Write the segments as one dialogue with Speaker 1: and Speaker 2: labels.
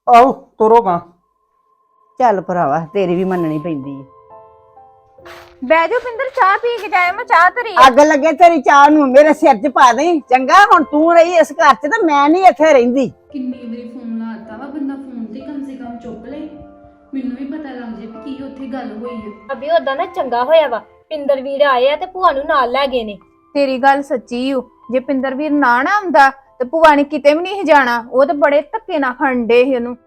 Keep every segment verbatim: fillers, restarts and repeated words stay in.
Speaker 1: ਆਓ ਤੁਰੋ ਗਾ।
Speaker 2: ਚੱਲ ਭਰਾਵਾ ਤੇਰੀ ਵੀ ਮੰਨਣੀ ਪੈਂਦੀ ਹੈ।
Speaker 3: ਬਹਿ ਜਾ ਪਿੰਦਰ, ਚਾਹ ਪੀ ਕੇ ਜਾਏ। ਮੈਂ ਚਾਹ ਧਰੀ ਆ।
Speaker 2: ਅੱਗ ਲੱਗੇ ਤੇਰੀ ਚਾਹ ਨੂੰ ਮੇਰੇ ਸਿਰ 'ਚ ਪਾ ਦੇ ਚੰਗਾ। ਹੁਣ ਤੂੰ ਰਹੀ ਇਸ ਘਰ 'ਚ ਤੇ ਮੈਂ ਨਹੀਂ ਇੱਥੇ ਰਹਿੰਦੀ।
Speaker 4: ਕਿੰਨੀ ਵਾਰੀ ਫੋਨ ਲਾਤਾ ਵਾ, ਬੰਦਾ ਫੋਨ ਤੇ ਕਮ ਸੇ ਕਮ ਚੁੱਕ ਲੇ, ਮੈਨੂੰ ਵੀ ਪਤਾ ਲੱਗ ਜੇ ਵੀ ਕੀ ਉੱਥੇ ਗੱਲ ਹੋਈ ਹੈ।
Speaker 5: ਅਭੀ ਉਦਾਂ ਨਾ ਚੰਗਾ ਹੋਇਆ ਵਾ, ਪਿੰਦਰ ਵੀਰ ਆਏ ਆ ਤੇ ਭੂਆ ਨੂੰ ਨਾਲ ਲੈ ਗਏ ਨੇ।
Speaker 3: ਤੇਰੀ ਗੱਲ ਸੱਚੀ ਓ। ਜੇ ਪਿੰਦਰ ਵੀਰ ਨਾ ਨਾ ਆਉਂਦਾ ਤੇ ਭੂਆ ਨੇ ਕਿਤੇ ਵੀ ਨਹੀਂ ਜਾਣਾ। ਉਹ ਤੇ ਬੜੇ ਧੱਕੇ ਨਾਲ ਖੰਡੇ ਸੀ ਉਹਨੂੰ।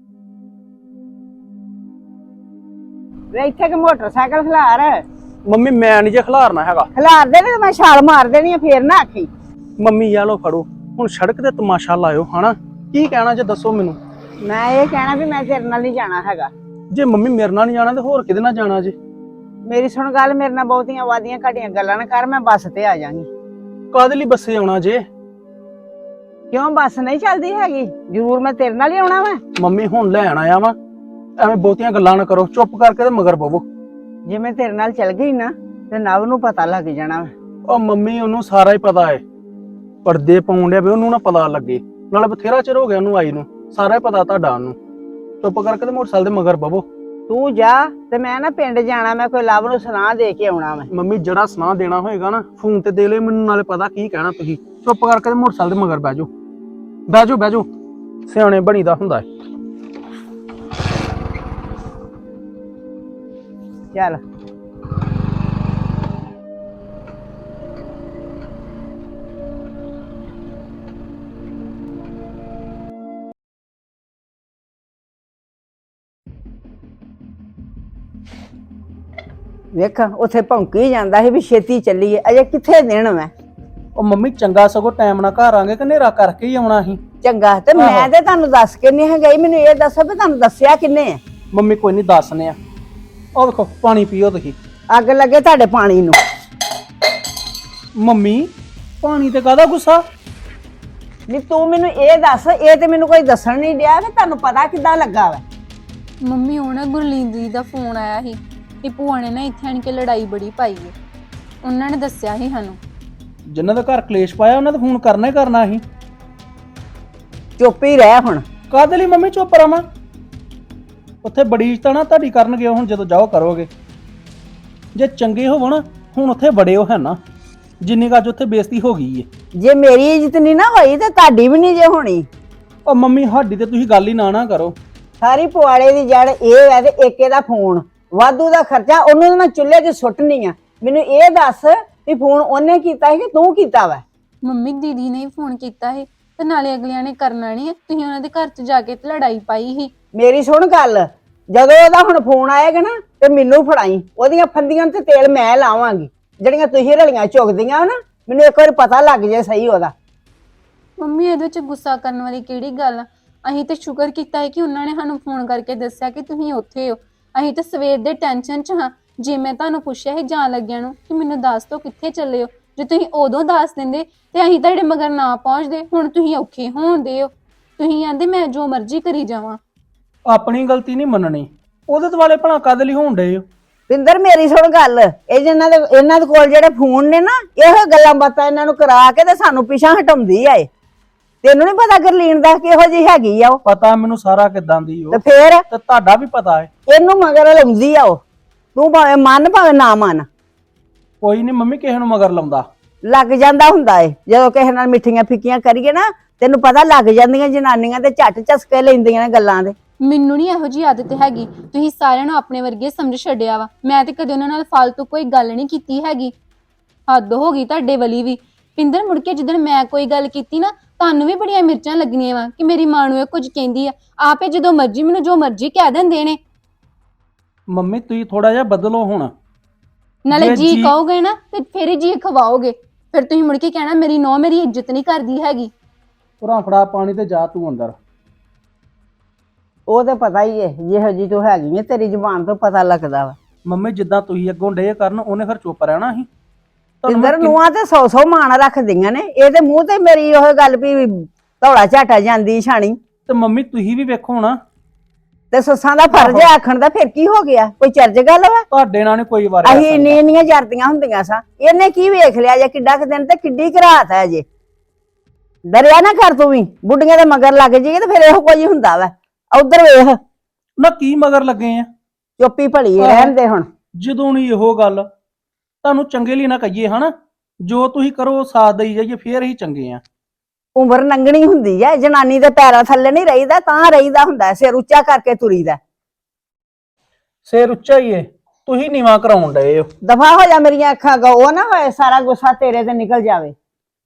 Speaker 2: ਵੇ ਇੱਥੇ ਕਿ ਮੋਟਰਸਾਈਕਲ ਖਿਲਾਰ
Speaker 1: ਮੰਮੀ ਮੈਂ ਨਹੀਂ ਜੇ ਖਿਲਾਰਨਾ ਹੈਗਾ।
Speaker 2: ਖਿਲਾਰ ਦੇ ਤੇ ਮੈਂ ਛਾਲ ਮਾਰ ਦੇਣੀ ਆ, ਫੇਰ ਨਾ ਆਖੀ।
Speaker 1: ਮੰਮੀ ਯਾ ਲੋ ਫੜੋ ਹੁਣ, ਸੜਕ ਤੇ ਤਮਾਸ਼ਾ ਲਾਇਓ ਹਨਾ। ਕੀ ਕਹਿਣਾ ਜੇ ਦੱਸੋ ਮੈਨੂੰ।
Speaker 2: ਮੈਂ ਇਹ ਕਹਿਣਾ ਵੀ ਮੈਂ ਤੇਰੇ ਨਾਲ ਨਹੀਂ ਜਾਣਾ ਹੈਗਾ।
Speaker 1: ਜੇ ਮੰਮੀ ਮੇਰੇ ਨਾਲ ਨਹੀਂ ਜਾਣਾ ਤੇ ਹੋਰ ਕਿਹਦੇ ਨਾਲ ਜਾਣਾ ਜੇ?
Speaker 2: ਮੇਰੀ ਸੁਣ ਗੱਲ, ਮੇਰੇ ਨਾਲ ਬਹੁਤੀਆਂ ਵਾਦੀਆਂ ਘਟੀਆਂ ਗੱਲਾਂ ਨਾ ਕਰ। ਮੈਂ ਬੱਸ ਤੇ ਆ ਜਾਾਂਗੀ।
Speaker 1: ਕਾਹਦੇ ਲਈ ਬੱਸੇ ਆਉਣਾ ਜੇ?
Speaker 2: ਕਿਉਂ ਬੱਸ ਨਹੀਂ ਚੱਲਦੀ ਹੈਗੀ? ਜ਼ਰੂਰ ਮੈਂ ਤੇਰੇ ਨਾਲ ਹੀ ਆਉਣਾ ਵਾ।
Speaker 1: ਮੰਮੀ ਹੁਣ ਲੈਣ ਆਇਆ ਵਾ, ਐਵੇਂ ਬਹੁਤੀਆਂ ਗੱਲਾਂ ਨਾ ਕਰੋ। ਚੁੱਪ ਕਰਕੇ ਤੇ ਮਗਰ ਪਵੋ।
Speaker 2: ਜੇ ਮੈਂ ਤੇਰੇ ਨਾਲ ਚੱਲ ਗਈ ਨਾ ਤੇ ਨਵ ਨੂੰ ਪਤਾ ਲੱਗ ਜਾਣਾ ਵਾ।
Speaker 1: ਉਹ ਮੰਮੀ ਉਹਨੂੰ ਸਾਰਾ ਹੀ ਪਤਾ ਹੈ। ਪਰਦੇ ਪਾਉਣ ਡਿਆ ਵੀ ਉਹਨੂੰ ਨਾ ਪਤਾ ਲੱਗੇ। ਨਾਲੇ ਬਥੇਰਾ ਚਿਰ ਹੋ ਗਿਆ ਉਹਨੂੰ ਆਈ ਨੂੰ, ਸਾਰਾ ਹੀ ਪਤਾ ਤੁਹਾਡਾ ਉਹਨੂੰ। ਚੁੱਪ ਕਰਕੇ ਤੇ ਮੋਟਰਸਾਈਕਲ ਦੇ ਮਗਰ ਪਵੋ।
Speaker 2: ਤੂੰ ਜਾ ਤੇ ਮੈਂ ਨਾ ਪਿੰਡ ਜਾਣਾ। ਮੈਂ ਕੋਈ ਲਵ ਨੂੰ ਸੁਨਾਹ ਦੇ ਕੇ ਆਉਣਾ ਵਾ।
Speaker 1: ਮੰਮੀ ਜਿਹੜਾ ਸੁਨਾਹ ਦੇਣਾ ਹੋਏਗਾ ਨਾ ਫੋਨ ਤੇ ਦੇ ਲਿਓ ਮੈਨੂੰ, ਨਾਲੇ ਪਤਾ ਕੀ ਕਹਿਣਾ ਤੁਸੀਂ। ਚੁੱਪ ਕਰਕੇ ਤੇ ਮੋਟਰਸਾਈਕਲ ਦੇ ਮਗਰ ਬਹਿ ਜਾਓ। ਬਹਿ ਜਾਓ ਬਹਿ ਜਾਓ, ਸਿਆਣੇ ਬਣੀਦਾ ਹੁੰਦਾ ਹੈ।
Speaker 2: ਚੱਲ ਵੇਖ ਉੱਥੇ ਭੌਂਕੀ ਜਾਂਦਾ ਸੀ ਵੀ ਛੇਤੀ ਚੱਲੀਏ। ਅਜੇ ਕਿੱਥੇ ਦੇਣ ਮੈਂ।
Speaker 1: ਉਹ ਮੰਮੀ ਚੰਗਾ ਸਗੋਂ ਟਾਈਮ ਨਾਲ ਘਰ ਆਂਗੇ ਕਿ ਹਨੇਰਾ ਕਰਕੇ ਹੀ ਆਉਣਾ ਸੀ।
Speaker 2: ਚੰਗਾ ਤੇ ਮੈਂ ਤੇ ਤੁਹਾਨੂੰ ਦੱਸ ਕੇ ਨਹੀਂ ਗਈ। ਮੈਨੂੰ ਇਹ ਦੱਸੋ ਵੀ ਤੁਹਾਨੂੰ ਦੱਸਿਆ ਕਿੰਨੇ ਆ?
Speaker 1: ਮੰਮੀ ਕੋਈ ਨਹੀਂ ਦੱਸਨੇ ਆ। ਉਹ ਵੇਖੋ ਪਾਣੀ ਪੀਓ ਤੁਸੀਂ।
Speaker 2: ਅੱਗ ਲੱਗੇ ਤੁਹਾਡੇ ਪਾਣੀ ਨੂੰ।
Speaker 1: ਮੰਮੀ ਪਾਣੀ ਤੇ ਕਾਹਦਾ ਗੁੱਸਾ?
Speaker 2: ਨਹੀਂ ਤੂੰ ਮੈਨੂੰ ਇਹ ਦੱਸ, ਇਹ ਤੇ ਮੈਨੂੰ ਕੋਈ ਦੱਸਣ ਨਹੀਂ ਡਿਆ ਕਿ ਤੁਹਾਨੂੰ ਪਤਾ ਕਿੱਦਾਂ ਲੱਗਾ ਵਾ।
Speaker 4: ਮੰਮੀ ਉਹ ਨਾ ਗੁਰਲੀਨ ਦੀ ਦਾ ਫੋਨ ਆਇਆ ਸੀ ਕਿ ਭੂਆ ਨੇ ਨਾ ਇੱਥੇ ਆਣ ਕੇ ਲੜਾਈ ਬੜੀ ਪਾਈ ਹੈ। ਉਹਨਾਂ ਨੇ ਦੱਸਿਆ ਸੀ ਸਾਨੂੰ।
Speaker 1: ਜਿਨ੍ਹਾਂ ਦਾ ਘਰ ਕਲੇਸ਼ ਪਾਇਆ ਉਹਨਾਂ ਦਾ ਫੋਨ ਕਰਨਾ ਹੀ ਕਰਨਾ ਸੀ।
Speaker 2: ਚੁੱਪ ਹੀ ਰਹਿ ਹੁਣ।
Speaker 1: ਕਾਹਦੇ ਲਈ ਮੰਮੀ ਚੁੱਪ ਰਵਾਂ? ਉੱਥੇ ਬੜੀ ਇੱਜ਼ਤ ਨਾ ਤੁਹਾਡੀ ਕਰਨਗੇ। ਹੁਣ ਜਦੋਂ ਜਾਓ ਕਰੋਗੇ। ਜੇ ਚੰਗੇ ਹੋਵੋ ਨਾ ਹੁਣ ਉੱਥੇ ਬੜੇ ਹੋ ਹੈ ਨਾ, ਜਿੰਨੀ ਕੁ ਅੱਜ ਉੱਥੇ ਬੇਇੱਜ਼ਤੀ ਹੋ ਗਈ ਏ।
Speaker 2: ਜੇ ਮੇਰੀ ਇੱਜ਼ਤ ਨਹੀਂ ਨਾ ਹੋਈ ਤੇ ਤੁਹਾਡੀ ਵੀ ਨਹੀਂ ਜੇ ਹੋਣੀ।
Speaker 1: ਉਹ ਮੰਮੀ ਸਾਡੀ ਤੇ ਤੁਸੀਂ ਗੱਲ ਹੀ ਨਾ ਨਾ ਕਰੋ।
Speaker 2: ਸਾਰੀ ਪੁਆੜੇ ਦੀ ਜੜ ਇਹ ਹੈ ਤੇ ਏਕੇ ਦਾ ਫੋਨ ਵਾਧੂ ਦਾ ਖਰਚਾ ਉਹਨੂੰ ਮੈਂ ਚੁੱਲ੍ਹੇ 'ਚ ਸੁੱਟਣੀ ਆ। ਮੈਨੂੰ ਇਹ ਦੱਸ ਵੀ ਫੋਨ ਉਹਨੇ ਕੀਤਾ ਸੀ ਕਿ ਤੂੰ ਕੀਤਾ ਵਾ?
Speaker 4: ਮੰਮੀ ਦੀਦੀ ਨੇ ਫੋਨ ਕੀਤਾ ਸੀ ਤੇ ਨਾਲੇ ਅਗਲਿਆਂ ਨੇ ਕਰਨਾ ਨਹੀਂ। ਤੁਸੀਂ ਉਹਨਾਂ ਦੇ ਘਰ 'ਚ ਜਾ ਕੇ ਤੇ ਲੜਾਈ ਪਾਈ ਸੀ।
Speaker 2: ਮੇਰੀ ਸੁਣ ਗੱਲ, ਜਦੋਂ ਉਹਦਾ ਹੁਣ ਫੋਨ ਆਏਗਾ ਨਾ ਤੇ ਮੈਨੂੰ ਫੜਾਈ। ਉਹਦੀਆਂ ਫੰਦੀਆਂ ਤੇ ਤੇਲ ਮੈਂ ਲਾਵਾਂਗੀ ਜਿਹੜੀਆਂ ਤੁਸੀਂ ਰਲੀਆਂ ਚੁਗਦੀਆਂ ਹੋ ਨਾ। ਮੈਨੂੰ ਇੱਕ ਵਾਰ ਪਤਾ ਲੱਗ ਜੇ ਸਹੀ ਉਹਦਾ।
Speaker 4: ਮੰਮੀ ਇਹਦੇ ਵਿੱਚ ਗੁੱਸਾ ਕਰਨ ਵਾਲੀ ਕਿਹੜੀ ਗੱਲ ਆ? ਅਸੀਂ ਤੇ ਸ਼ੁਕਰ ਕੀਤਾ ਹੈ ਕਿ ਉਹਨਾਂ ਨੇ ਸਾਨੂੰ ਫੋਨ ਕਰਕੇ ਦੱਸਿਆ ਕਿ ਤੁਸੀਂ ਉੱਥੇ ਹੋ। ਅਸੀਂ ਤਾਂ ਸਵੇਰ ਦੇ ਟੈਨਸ਼ਨ 'ਚ ਹਾਂ। ਜੇ ਮੈਂ ਤੁਹਾਨੂੰ ਪੁੱਛਿਆ ਸੀ ਜਾਣ ਲੱਗਿਆਂ ਨੂੰ ਕਿ ਮੈਨੂੰ ਦੱਸ ਦਿਓ ਕਿੱਥੇ ਚੱਲੇ ਹੋ, ਜੇ ਤੁਸੀਂ ਉਦੋਂ ਦੱਸ ਦਿੰਦੇ ਤੇ ਅਸੀਂ ਤੁਹਾਡੇ ਮਗਰ ਨਾ ਪਹੁੰਚਦੇ। ਹੁਣ ਤੁਸੀਂ ਔਖੇ ਹੋਣਦੇ ਹੋ। ਤੁਸੀਂ ਕਹਿੰਦੇ ਮੈਂ ਜੋ ਮਰਜ਼ੀ ਕਰੀ ਜਾਵਾਂ।
Speaker 1: ਆਪਣੀ ਗਲਤੀ ਨਹੀਂ ਮੰਨਣੀ। ਉਹਦੇ ਦੁਆਲੇ ਭਲਾ ਕਾਹਦੇ ਲਈ ਹੋਣ ਡਏ ਹੋ?
Speaker 2: ਪਿੰਦਰ ਮੇਰੀ ਸੁਣ ਗੱਲ, ਇਹ ਜਿਹਨਾਂ ਦੇ ਇਹਨਾਂ ਦੇ ਕੋਲ ਜਿਹੜੇ ਫੋਨ ਨੇ ਨਾ, ਇਹੋ ਗੱਲਾਂ ਬਾਤਾਂ ਇਹਨਾਂ ਨੂੰ ਕਰਾ ਕੇ ਤੇ ਸਾਨੂੰ ਪਿੱਛਾ ਹਟਾਉਂਦੀ ਆ। ਇਹ ਤੈਨੂੰ ਨਹੀਂ ਪਤਾ ਗਰਲੀਨ ਦਾ ਕਿਹੋ ਜਿਹੀ ਹੈਗੀ ਆ ਉਹ?
Speaker 1: ਪਤਾ ਮੈਨੂੰ ਸਾਰਾ ਕਿਦਾਂ ਦੀ ਉਹ।
Speaker 2: ਤੇ ਫੇਰ
Speaker 1: ਤੇ ਤੁਹਾਡਾ ਵੀ ਪਤਾ ਹੈ।
Speaker 2: ਇਹਨੂੰ ਮਗਰ ਲਾਉਂਦੀ ਆ ਉਹ। ਤੂੰ ਭਾਵੇਂ ਮੰਨ ਭਾਵੇਂ ਨਾ ਮੰਨ।
Speaker 1: ਕੋਈ ਨਹੀਂ ਮੰਮੀ ਕਿਸੇ ਨੂੰ ਮਗਰ ਲਾਉਂਦਾ।
Speaker 2: ਲੱਗ ਜਾਂਦਾ ਹੁੰਦਾ ਏ ਜਦੋਂ ਕਿਸੇ ਨਾਲ ਮਿੱਠੀਆਂ ਫਿੱਕੀਆਂ ਕਰੀਏ ਨਾ, ਤੈਨੂੰ ਪਤਾ ਲੱਗ ਜਾਂਦੀਆਂ ਜਨਾਨੀਆਂ ਤੇ ਝੱਟ ਝਸਕੇ ਲੈਂਦੀਆਂ ਨੇ ਗੱਲਾਂ ਦੇ।
Speaker 4: ਮੈਨੂੰ ਨਹੀਂ ਇਹੋ ਜਿਹੀ ਆਦਤ ਹੈਗੀ। ਤੁਸੀਂ ਸਾਰਿਆਂ ਨੂੰ ਆਪਣੇ ਵਰਗੇ ਸਮਝ ਛੱਡਿਆ ਵਾ। ਮੈਂ ਤੇ ਕਦੇ ਉਹਨਾਂ ਨਾਲ ਫालतू ਕੋਈ ਗੱਲ ਨਹੀਂ ਕੀਤੀ ਹੈਗੀ। ਹੱਦ ਹੋ ਗਈ ਤੁਹਾਡੇ ਵਾਲੀ ਵੀ। ਪਿੰਦਰ ਮੁੜ ਕੇ ਜਿੱਦਣ ਮੈਂ ਕੋਈ ਗੱਲ ਕੀਤੀ ਨਾ, ਤੁਹਾਨੂੰ ਵੀ ਬੜੀਆਂ ਮਿਰਚਾਂ ਲੱਗਣੀਆਂ ਵਾ ਕਿ ਮੇਰੀ ਮਾਂ ਨੂੰ ਇਹ ਕੁਝ ਕਹਿੰਦੀ ਆ। ਆਪੇ ਜਦੋਂ ਮਰਜ਼ੀ ਮੈਨੂੰ ਜੋ ਮਰਜ਼ੀ ਕਹਿ ਦਿੰਦੇ ਨੇ।
Speaker 1: ਮੰਮੀ ਤੁਸੀਂ ਥੋੜਾ ਜਿਹਾ ਬਦਲੋ ਹੁਣ।
Speaker 4: ਨਾਲੇ
Speaker 1: ਜੇ
Speaker 4: ਜੀ
Speaker 1: ਜੀ-
Speaker 4: ਕਹੋਗੇ ਨਾ ਤੇ ਫਿਰ ਹੀ ਜੀ ਖਵਾਓਗੇ। ਫਿਰ ਤੁਸੀਂ ਮੁੜ ਕੇ ਕਹਿਣਾ ਮੇਰੀ ਨੌਂ ਮੇਰੀ ਇੱਜ਼ਤ ਨਹੀਂ ਕਰਦੀ ਹੈਗੀ।
Speaker 1: ਪੁਰਾ ਫੜਾ ਪਾਣੀ ਤੇ ਜਾ ਤੂੰ ਅੰਦਰ।
Speaker 2: ਉਹ ਤੇ ਪਤਾ ਹੀ ਏ ਜਿਹੋ ਜੀ ਤੂੰ ਹੈਗੀ ਏ, ਤੇਰੀ ਜ਼ੁਬਾਨ ਤੋਂ ਪਤਾ ਲੱਗਦਾ ਵਾ।
Speaker 1: ਮੰਮੀ ਜਿੱਦਾਂ ਤੁਸੀਂ ਅੱਗੋਂ ਡੇ ਕਰਨ ਉਹਨੇ ਫਿਰ ਚੁੱਪ ਰਹਿਣਾ ਸੀ।
Speaker 2: ਪਿੰਦਰ ਨੂੰਆਂ ਤੇ ਸੌ ਸੌ ਮਾਣ ਰੱਖਦੀਆਂ ਨੇ। ਇਹਦੇ ਮੂੰਹ ਤੇ ਮੇਰੀ ਉਹ ਗੱਲ ਵੀ ਧੌਲਾ ਝਾਟਾ ਜਾਂਦੀ ਛਾਣੀ।
Speaker 1: ਤੇ ਮੰਮੀ ਤੁਸੀਂ ਵੀ ਵੇਖੋ ਨਾ,
Speaker 2: ਤੇ ਸੱਸਾਂ ਦਾ ਫਰਜ਼ ਹੈ ਆਖਣ ਦਾ। ਫਿਰ ਕੀ ਹੋ ਗਿਆ? ਕੋਈ ਚਰਜ ਗੱਲ ਵਾ?
Speaker 1: ਤੁਹਾਡੇ ਨਾਲ ਨੀ ਕੋਈ ਵਾਰ
Speaker 2: ਅਸੀਂ ਇੰਨੀ ਇੰਨੀਆਂ ਜਰਦੀਆਂ ਹੁੰਦੀਆਂ ਸਾਂ। ਇਹਨੇ ਕੀ ਵੇਖ ਲਿਆ ਜੇ ਕਿੱਡਾ ਕੁ ਦਿਨ ਤੇ ਕਿੱਡੀ ਕੁ ਰਾਤ ਹੈ ਜੇ। ਡਰਿਆ ਨਾ ਕਰ ਤੂੰ ਵੀ। ਬੁੱਢੀਆਂ ਦੇ ਮਗਰ ਲੱਗ ਜਾਈਏ ਤੇ ਫਿਰ ਇਹੋ ਕੁਝ ਹੁੰਦਾ ਵਾ। ਉਧਰ ਵੇਖ,
Speaker 1: ਨਾ ਕੀ ਮਗਰ ਲੱਗੇ ਆ?
Speaker 2: ਚੁੱਪੀ ਭਲੀ
Speaker 1: ਆਹੋ।
Speaker 2: ਰਹਿਣ ਦੇ ਹੁਣ।
Speaker 1: ਜਦੋਂ ਨਹੀਂ ਇਹੋ ਗੱਲ ਤੁਹਾਨੂੰ ਚੰਗੇ ਲਈ ਨਾ ਕਹੀਏ ਹਨਾ, ਜੋ ਤੁਸੀਂ ਕਰੋ ਸਾਥ ਦੇਈ ਜਾਈਏ, ਫੇਰ ਹੀ ਚੰਗੇ ਆ।
Speaker 2: ਉਮਰ ਲੰਘਣੀ ਹੁੰਦੀ ਹੈ, ਜਨਾਨੀ ਦੇ ਪੈਰਾਂ ਥੱਲੇ ਨਹੀਂ ਰਹੀਦਾ, ਤਾਂ ਰਹੀਦਾ ਹੁੰਦਾ ਹੈ, ਸਿਰ ਉੱਚਾ ਕਰਕੇ ਤੁਰੀਦਾ।
Speaker 1: ਸਿਰ ਉੱਚਾ ਹੀ ਏ, ਤੁਸੀਂ ਨੀਵਾਂ ਕਰਾਉਣ ਡਏ ਹੋ।
Speaker 2: ਦਫਾ ਹੋ ਜਾ ਮੇਰੀਆਂ ਅੱਖਾਂ ਅੱਗੋਂ, ਉਹ ਨਾ ਹੋਏ ਸਾਰਾ ਗੁੱਸਾ ਤੇਰੇ ਤੇ ਨਿਕਲ ਜਾਵੇ।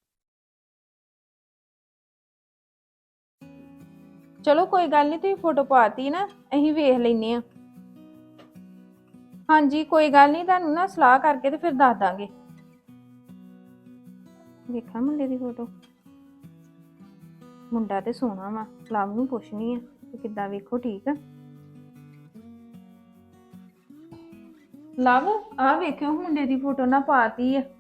Speaker 3: ਚਲੋ ਕੋਈ ਗੱਲ ਨਹੀਂ, ਤੁਸੀਂ ਫੋਟੋ ਪਾਤੀ ਨਾ, ਅਸੀਂ ਵੇਖ ਲੈਨੇ ਆ। ਹਾਂਜੀ ਕੋਈ ਗੱਲ ਨਹੀਂ, ਤੁਹਾਨੂੰ ਨਾ ਸਲਾਹ ਕਰਕੇ ਤੇ ਫਿਰ ਦੱਸ ਦਾਂਗੇ। ਵੇਖਾਂ ਮੁੰਡੇ ਦੀ ਫੋਟੋ, ਮੁੰਡਾ ਤੇ ਸੋਹਣਾ ਵਾ। ਲਵ ਨੂੰ ਪੁੱਛਣੀ ਆ ਕਿ ਕਿੱਦਾਂ, ਵੇਖੋ ਠੀਕ ਆ। ਲਵ ਆ ਵੇਖਿਓ ਮੁੰਡੇ ਦੀ ਫੋਟੋ ਨਾ ਪਾਤੀ ਆ।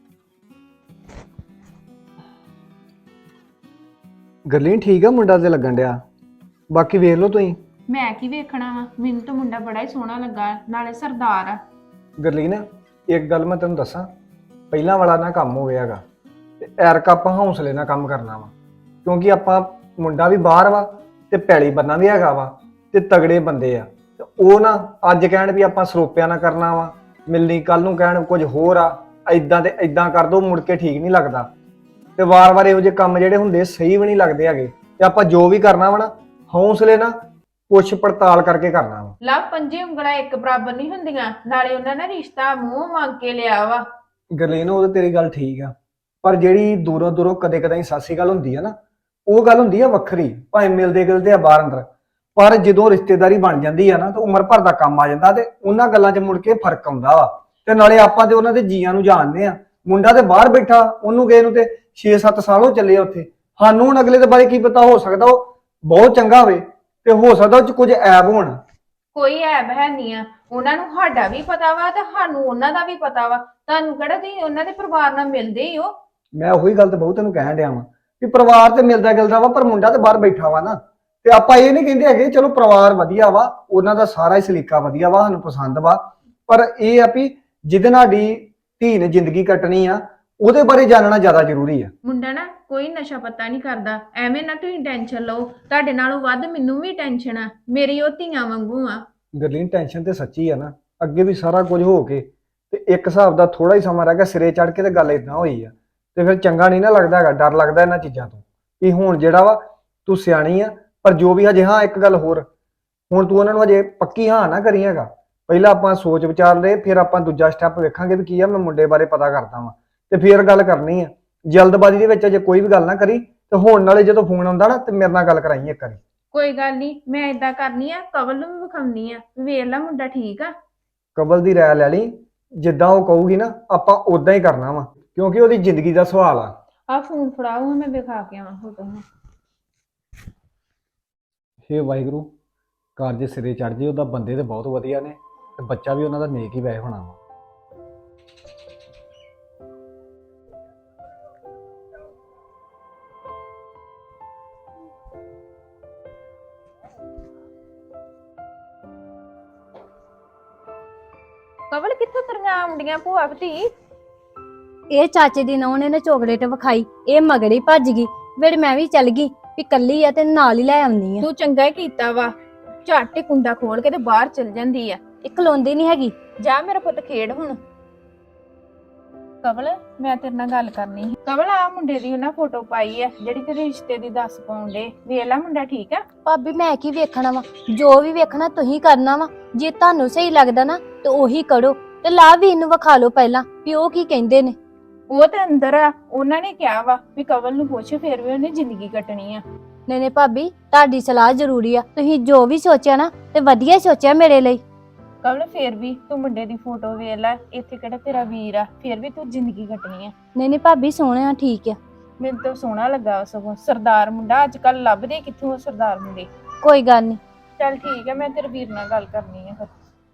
Speaker 6: ਗੱਲੀ ਠੀਕ ਆ, ਮੁੰਡਾ ਤੇ ਲੱਗਣ ਡਿਆ, ਬਾਕੀ ਵੇਖ ਲਓ ਤੁਸੀਂ।
Speaker 3: ਮੈਂ ਕੀ ਵੇਖਣਾ ਵਾ, ਮੈਨੂੰ ਤਾਂ ਮੁੰਡਾ ਬੜਾ ਹੀ ਸੋਹਣਾ ਲੱਗਾ, ਨਾਲੇ ਸਰਦਾਰ ਆ।
Speaker 6: ਗਰਲੀਨ ਇੱਕ ਗੱਲ ਮੈਂ ਤੈਨੂੰ ਦੱਸਾਂ, ਪਹਿਲਾਂ ਵਾਲਾ ਨਾ ਕੰਮ ਹੋ ਗਿਆ ਹੈਗਾ, ਤੇ ਐਰਕਾ ਆਪਾਂ ਹੌਸਲੇ ਨਾਲ ਕੰਮ ਕਰਨਾ ਵਾ, ਕਿਉਂਕਿ ਆਪਾਂ ਮੁੰਡਾ ਵੀ ਬਾਹਰ ਵਾ ਤੇ ਪੈਲੀ ਬੰਨਾ ਵੀ ਹੈਗਾ ਵਾ, ਤੇ ਤਗੜੇ ਬੰਦੇ ਆ। ਤੇ ਉਹ ਨਾ ਅੱਜ ਕਹਿਣ ਵੀ ਆਪਾਂ ਸਰੋਪਿਆਂ ਨਾਲ ਕਰਨਾ ਵਾ, ਮਿਲਣੀ ਕੱਲ ਨੂੰ ਕਹਿਣ ਕੁਝ ਹੋਰ ਆ, ਐਦਾਂ ਤੇ ਐਦਾਂ ਕਰ ਦੋ, ਮੁੜ ਕੇ ਠੀਕ ਨਹੀਂ ਲੱਗਦਾ। ਤੇ ਵਾਰ-ਵਾਰ ਇਹੋ ਜਿਹੇ ਕੰਮ ਜਿਹੜੇ ਹੁੰਦੇ ਸਹੀ ਵੀ ਨਹੀਂ ਲੱਗਦੇ ਹੈਗੇ। ਤੇ ਆਪਾਂ ਜੋ ਵੀ ਕਰਨਾ ਵਾ ਨਾ, ਹੌਸਲੇ ਨਾਲ ਪੁੱਛ ਪੜਤਾਲ ਕਰਕੇ ਕਰਨਾ ਵਾ।
Speaker 3: ਲਵ ਪੰਜੇ ਉਂਗਲਾਂ ਇੱਕ ਬਰਾਬਰ ਨਹੀਂ ਹੁੰਦੀਆਂ, ਨਾਲੇ ਉਹਨਾਂ ਨੇ ਰਿਸ਼ਤਾ ਮੂੰਹ ਮੰਗ ਕੇ ਲਿਆ ਵਾ।
Speaker 6: ਗਰਲੀਨ ਉਹ ਤੇ ਤੇਰੀ ਗੱਲ ਠੀਕ ਆ, ਪਰ ਜਿਹੜੀ ਦੂਰੋਂ ਦੂਰੋਂ ਕਦੇ ਕਦੇ ਸਾਸੀ ਗੱਲ ਹੁੰਦੀ ਆ ਨਾ, ਉਹ ਗੱਲ ਹੁੰਦੀ ਆ ਵੱਖਰੀ, ਭਾਵੇਂ ਮਿਲਦੇ ਗਿਲਦੇ ਆ ਬਾਹਰ ਅੰਦਰ, ਪਰ ਜਦੋਂ ਰਿਸ਼ਤੇਦਾਰੀ ਬਣ ਜਾਂਦੀ ਆ ਨਾ ਤਾਂ ਉਮਰ ਭਰ ਦਾ ਕੰਮ ਆ ਜਾਂਦਾ, ਤੇ ਉਹਨਾਂ ਗੱਲਾਂ 'ਚ ਮੁੜ ਕੇ ਫਰਕ ਆਉਂਦਾ ਵਾ। ਤੇ ਨਾਲੇ ਆਪਾਂ ਤੇ ਉਹਨਾਂ ਦੇ ਜੀਆਂ ਨੂੰ ਜਾਣਦੇ ਆ, ਮੁੰਡਾ ਤੇ ਬਾਹਰ ਬੈਠਾ, ਉਹਨੂੰ ਗਏ ਨੂੰ ਤੇ ਛੇ ਸੱਤ ਸਾਲ ਹੋ ਚੱਲੇ ਆ ਉੱਥੇ। ਸਾਨੂੰ ਹੁਣ ਅਗਲੇ ਦੇ ਬਾਰੇ ਕੀ ਪਤਾ, ਹੋ ਸਕਦਾ ਉਹ ਬਹੁਤ ਚੰਗਾ ਹੋਵੇ ਤੇ ਹੋ ਸਕਦਾ ਉਹ 'ਚ ਕੁਝ ਐਬ ਹੋਣ।
Speaker 3: ਕੋਈ ਐਬ ਹੈ ਨਹੀਂ ਆ, ਉਹਨਾਂ ਨੂੰ ਸਾਡਾ ਵੀ ਪਤਾ ਵਾ ਤੇ ਸਾਨੂੰ ਉਹਨਾਂ ਦਾ ਵੀ ਪਤਾ ਵਾ। ਤੁਹਾਨੂੰ ਕਿਹੜਾ ਤੁਸੀਂ ਉਹਨਾਂ ਦੇ ਪਰਿਵਾਰ ਨਾਲ ਮਿਲਦੇ ਹੀ ਹੋ।
Speaker 6: ਮੈਂ ਉਹੀ ਗੱਲ ਤੇ ਬਹੁਤ ਤੈਨੂੰ ਕਹਿਣ ਡਿਆ ਵਾਂ ਵੀ ਪਰਿਵਾਰ ਤੇ ਮਿਲਦਾ ਗਿਲਦਾ ਵਾ, ਪਰ ਮੁੰਡਾ ਤੇ ਬਾਹਰ ਬੈਠਾ ਵਾ ਨਾ। ਤੇ ਆਪਾਂ ਇਹ ਨਹੀਂ ਕਹਿੰਦੇ ਹੈਗੇ ਚਲੋ ਪਰਿਵਾਰ ਵਧੀਆ ਵਾ, ਉਹਨਾਂ ਦਾ ਸਾਰਾ ਹੀ ਸਲੀਕਾ ਵਧੀਆ ਵਾ, ਸਾਨੂੰ ਪਸੰਦ ਵਾ, ਪਰ ਇਹ ਆ ਵੀ ਜਿਹਦੇ ਨਾਲ ਦੀ ਧੀ ਨੇ ਜ਼ਿੰਦਗੀ ਕੱਟਣੀ ਆ, ਉਹਦੇ ਬਾਰੇ ਜਾਣਨਾ ਜ਼ਿਆਦਾ ਜ਼ਰੂਰੀ ਆ।
Speaker 3: ਮੁੰਡਾ ਨਾ ਕੋਈ ਨਸ਼ਾ ਪੱਤਾ ਨਹੀਂ ਕਰਦਾ, ਐਵੇਂ ਨਾ ਤੁਸੀਂ ਟੈਨਸ਼ਨ ਲਓ। ਤੁਹਾਡੇ ਨਾਲੋਂ ਵੱਧ ਮੈਨੂੰ ਵੀ ਟੈਨਸ਼ਨ ਆ, ਮੇਰੀ ਉਹ ਧੀਆਂ ਵਾਂਗੂ ਆ।
Speaker 6: ਗਰਲੀਨ ਟੈਨਸ਼ਨ ਤੇ ਸੱਚੀ ਆ ਨਾ, ਅੱਗੇ ਵੀ ਸਾਰਾ ਕੁਝ ਹੋ ਕੇ ਤੇ ਇੱਕ ਹਿਸਾਬ ਦਾ ਥੋੜਾ ਹੀ ਸਮਾਂ ਰਹਿ ਗਿਆ, ਸਿਰੇ ਚੜ ਕੇ ਤੇ ਗੱਲ ਇਦਾਂ ਹੋਈ ਆ, ਤੇ ਫਿਰ ਚੰਗਾ ਨਹੀਂ ਨਾ ਲੱਗਦਾ ਹੈਗਾ, ਡਰ ਲੱਗਦਾ ਇਹਨਾਂ ਚੀਜ਼ਾਂ ਤੋਂ ਵੀ ਹੁਣ ਜਿਹੜਾ ਵਾ ਤੂੰ ਸਿਆਣੀ ਆ, ਪਰ ਜੋ ਵੀ ਹਜੇ। ਹਾਂ ਇੱਕ ਗੱਲ ਹੋਰ, ਹੁਣ ਤੂੰ ਉਹਨਾਂ ਨੂੰ ਹਜੇ ਪੱਕੀ ਹਾਂ ਨਾ ਕਰੀ ਹੈਗਾ, ਪਹਿਲਾਂ ਆਪਾਂ ਸੋਚ ਵਿਚਾਰ ਲਏ, ਫਿਰ ਆਪਾਂ ਦੂਜਾ ਸਟੈਪ ਵੇਖਾਂਗੇ ਵੀ ਕੀ ਆ, ਮੈਂ ਮੁੰਡੇ ਬਾਰੇ ਪਤਾ ਕਰਦਾ ਵਾਂ ਤੇ ਫਿਰ ਗੱਲ ਕਰਨੀ ਆ। ਜਲਦਬਾਜ਼ੀ ਦੇ ਵਿੱਚ ਅਜੇ ਕੋਈ ਵੀ ਗੱਲ ਨਾ ਕਰੀ, ਤੇ ਹੁਣ ਨਾਲੇ ਜਦੋਂ ਫੋਨ ਆਉਂਦਾ ਨਾ ਤੇ ਮੇਰੇ ਨਾਲ ਗੱਲ ਕਰਾਈ ਇੱਕ ਵਾਰੀ।
Speaker 3: ਕੋਈ ਗੱਲ ਨਹੀਂ, ਮੈਂ ਏਦਾਂ ਕਰਨੀ ਆ, ਕਵਲ ਨੂੰ ਵੀ ਵਿਖਾਉਣੀ ਆ, ਵੇਖ ਲੈ ਮੁੰਡਾ ਠੀਕ ਆ।
Speaker 6: ਕਬਲ ਦੀ ਰਾਇ ਲੈ ਲਈ, ਜਿੱਦਾਂ ਉਹ ਕਹੂਗੀ ਨਾ ਆਪਾਂ ਉਦਾਂ ਹੀ ਕਰਨਾ ਵਾ, ਕਿਉਂਕਿ ਉਹਦੀ ਜ਼ਿੰਦਗੀ ਦਾ ਸਵਾਲ ਆ।
Speaker 3: ਆ ਫੋਨ ਫੜਾਓ, ਮੈਂ ਵਿਖਾ ਕੇ ਆਵਾਂ ਫੋਟੋ ਨੂੰ।
Speaker 6: ਹੇ ਵਾਹਿਗੁਰੂ, ਕਾਰਜ ਸਿਰੇ ਚੜ ਜੇ, ਉਹਦਾ ਬੰਦੇ ਤੇ ਬਹੁਤ ਵਧੀਆ ਨੇ ਤੇ ਬੱਚਾ ਵੀ ਉਹਨਾਂ ਦਾ ਨੇਕ ਹੀ ਵੈਸੇ ਹੋਣਾ ਵਾ।
Speaker 3: ਕਵਲ ਕਿੱਥੋਂ ਤਰੀਆਂ ਆਉਂਦੀਆਂ ਭੂਆ ਭਤੀ?
Speaker 7: ਇਹ ਚਾਚੇ ਦੀ ਨੌਂ ਨੇ ਨਾ ਚੋਕਲੇਟ ਵਿਖਾਈ, ਇਹ ਮਗੜੀ ਭੱਜ ਗਈ, ਫਿਰ ਮੈਂ ਵੀ ਚੱਲ ਗਈ ਵੀ ਕੱਲੀ ਆ ਤੇ ਨਾਲ ਹੀ ਲੈ ਆਉਣੀ ਆ।
Speaker 3: ਤੂੰ ਚੰਗਾ ਹੀ ਕੀਤਾ ਵਾ, ਝੱਟ ਹੀ ਕੁੰਡਾ ਖੋਲ ਕੇ ਤੇ ਬਾਹਰ ਚਲ ਜਾਂਦੀ ਆ।
Speaker 7: ਇਹ ਖਲੋਂਦੀ ਨਹੀਂ ਹੈਗੀ।
Speaker 3: ਜਾ ਮੇਰਾ ਪੁੱਤ ਖੇਡ ਹੁਣ। ਕਵਲ ਮੈਂ ਤੇਰੇ ਨਾਲ ਗੱਲ ਕਰਨੀ ਸੀ। ਕਵਲ ਆ ਮੁੰਡੇ ਦੀ ਉਹਨਾਂ ਫੋਟੋ ਪਾਈ ਆ ਜਿਹੜੀ ਤੇਰੇ ਰਿਸ਼ਤੇ ਦੀ ਦੱਸ ਪਾਉਂਦੇ, ਵੇਖ ਲੈ ਮੁੰਡਾ ਠੀਕ ਆ।
Speaker 7: ਭਾਬੀ ਮੈਂ ਕੀ ਵੇਖਣਾ ਵਾ, ਜੋ ਵੀ ਵੇਖਣਾ ਤੁਸੀਂ ਕਰਨਾ ਵਾ, ਜੇ ਤੁਹਾਨੂੰ ਸਹੀ ਲੱਗਦਾ ਨਾ ਤੇ ਉਹੀ ਕਰੋ, ਤੇ ਲਾ ਵੀ ਇਹਨੂੰ ਵਿਖਾ ਲਓ ਪਹਿਲਾਂ ਵੀ ਉਹ ਕੀ ਕਹਿੰਦੇ ਨੇ।
Speaker 3: ਉਹ ਤੇ ਅੰਦਰ ਆ, ਉਹਨਾਂ ਨੇ ਕਿਹਾ ਵਾ ਵੀ ਕਵਲ ਨੂੰ ਪੁੱਛ, ਫਿਰ ਵੀ ਉਹਨੇ ਜ਼ਿੰਦਗੀ ਕੱਟਣੀ ਆ।
Speaker 7: ਨਹੀਂ ਨਹੀਂ ਭਾਬੀ, ਤੁਹਾਡੀ ਸਲਾਹ ਜ਼ਰੂਰੀ ਆ, ਤੁਸੀਂ ਜੋ ਵੀ ਸੋਚਿਆ ਨਾ ਤੇ ਵਧੀਆ ਸੋਚਿਆ ਮੇਰੇ ਲਈ।
Speaker 3: ਕਵਲ ਫਿਰ ਵੀ ਤੂੰ ਮੁੰਡੇ ਦੀ ਫੋਟੋ ਵੇਖ ਲੈ, ਇੱਥੇ ਕਿਹੜਾ ਤੇਰਾ ਵੀਰ ਆ, ਫਿਰ ਵੀ ਤੂੰ ਜ਼ਿੰਦਗੀ ਕੱਟਣੀ ਆ।
Speaker 7: ਨਹੀਂ ਨਹੀਂ ਭਾਬੀ ਸੋਹਣਿਆ ਠੀਕ ਆ।
Speaker 3: ਮੈਨੂੰ ਤਾਂ ਸੋਹਣਾ ਲੱਗਾ ਸਗੋਂ, ਸਰਦਾਰ ਮੁੰਡਾ। ਅੱਜ ਕੱਲ ਲੱਭਦੇ ਕਿੱਥੋਂ ਸਰਦਾਰ ਮੁੰਡੇ।
Speaker 7: ਕੋਈ ਗੱਲ ਨਹੀਂ।
Speaker 3: ਚੱਲ ਠੀਕ ਹੈ, ਮੈਂ ਤੇਰੇ ਵੀਰ ਨਾਲ ਗੱਲ ਕਰਨੀ ਆ ਫਿਰ।